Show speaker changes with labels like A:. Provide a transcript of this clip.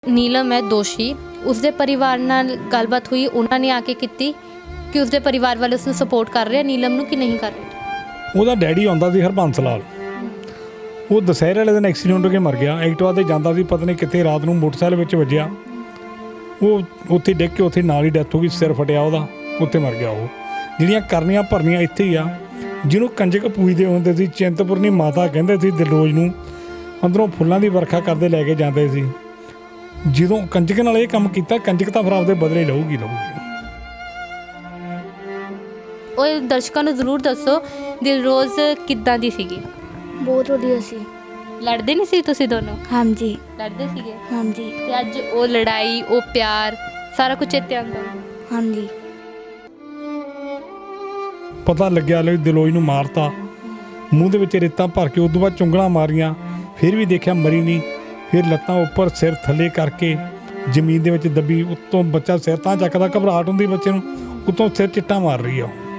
A: ਨੀਲਮ ਹੈ ਦੋਸ਼ੀ। ਉਸਦੇ ਪਰਿਵਾਰ ਨਾਲ ਗੱਲਬਾਤ ਹੋਈ, ਉਹਨਾਂ ਨੇ ਆ ਕੇ ਕੀਤੀ ਕਿ ਉਸਦੇ ਪਰਿਵਾਰ ਵਾਲੇ ਉਸ ਨੂੰ ਸਪੋਰਟ ਕਰ ਰਹੇ ਆ ਨੀਲਮ ਨੂੰ ਕਿ ਨਹੀਂ ਕਰ ਰਹੇ।
B: ਉਹਦਾ ਡੈਡੀ ਆਉਂਦਾ ਸੀ ਹਰਬੰਸ ਲਾਲ, ਉਹ ਦੁਸਹਿਰੇ ਵਾਲੇ ਦਿਨ ਐਕਸੀਡੈਂਟ ਹੋ ਕੇ ਮਰ ਗਿਆ। ਐਕਟਿਵਾ 'ਤੇ ਜਾਂਦਾ ਸੀ, ਪਤਾ ਨਹੀਂ ਕਿੱਥੇ ਰਾਤ ਨੂੰ ਮੋਟਰਸਾਈਕਲ ਵਿੱਚ ਵੱਜਿਆ, ਉਹ ਉੱਥੇ ਡਿੱਗ ਕੇ ਉੱਥੇ ਨਾਲ ਹੀ ਡੈਥ ਹੋ ਗਈ, ਸਿਰ ਫਟਿਆ ਉਹਦਾ, ਉੱਥੇ ਮਰ ਗਿਆ। ਉਹ ਜਿਹੜੀਆਂ ਕਰਨੀਆਂ ਭਰਨੀਆਂ ਇੱਥੇ ਹੀ ਆ। ਜਿਹਨੂੰ ਕੰਜਕ ਪੂਜਦੇ ਹੁੰਦੇ ਸੀ, ਚਿੰਤਪੁਰਨੀ ਮਾਤਾ ਕਹਿੰਦੇ ਸੀ, ਦਿਲਰੋਜ਼ ਨੂੰ ਅੰਦਰੋਂ ਫੁੱਲਾਂ ਦੀ ਵਰਖਾ ਕਰਦੇ ਲੈ ਕੇ ਜਾਂਦੇ ਸੀ। ਜਦੋਂ ਕੰਜਕ ਨਾਲ ਇਹ ਕੰਮ ਕੀਤਾ, ਕੰਜਕ ਤਾਂ ਫਿਰ ਆਪਦੇ ਬਦਲੇ ਲਊਗੀ।
A: ਉਹ ਦਰਸ਼ਕਾਂ ਨੂੰ ਜ਼ਰੂਰ ਦੱਸੋ ਦਿਲਰੋਜ਼ ਕਿੱਦਾਂ ਦੀ ਸੀਗੀ।
C: ਬਹੁਤ ਵਧੀਆ ਸੀ।
A: ਲੜਦੇ ਨਹੀਂ ਸੀ ਤੁਸੀਂ ਦੋਨੋਂ?
C: ਹਾਂਜੀ
A: ਲੜਦੇ ਸੀਗੇ।
C: ਹਾਂਜੀ
A: ਤੇ ਅੱਜ ਉਹ ਲੜਾਈ, ਉਹ ਪਿਆਰ, ਸਾਰਾ ਕੁਝ ਚੇਤੇ ਆਉਂਦਾ।
C: ਹਾਂਜੀ
B: ਪਤਾ ਲੱਗਿਆ ਲੈ ਦਿਲੋਜ ਨੂੰ ਮਾਰਤਾ, ਮੂੰਹ ਦੇ ਵਿੱਚ ਰੇਤਾਂ ਭਰ ਕੇ, ਉਦੋਂ ਬਾਅਦ ਚੁੰਗਲਾਂ ਮਾਰੀਆਂ, ਫਿਰ ਵੀ ਦੇਖਿਆ ਮਰੀ ਨਹੀਂ। ਫਿਰ ਲੱਤਾਂ ਉੱਪਰ ਸਿਰ ਥੱਲੇ ਕਰਕੇ ਜ਼ਮੀਨ ਦੇ ਵਿੱਚ ਦੱਬੀ, ਉੱਤੋਂ ਬੱਚਾ ਸਿਰ ਤਾਂ ਚੱਕਦਾ, ਘਬਰਾਹਟ ਹੁੰਦੀ ਬੱਚੇ ਨੂੰ, ਉੱਤੋਂ ਸਿਰ ਚਿੱਟਾ ਮਾਰ ਰਹੀ ਆ।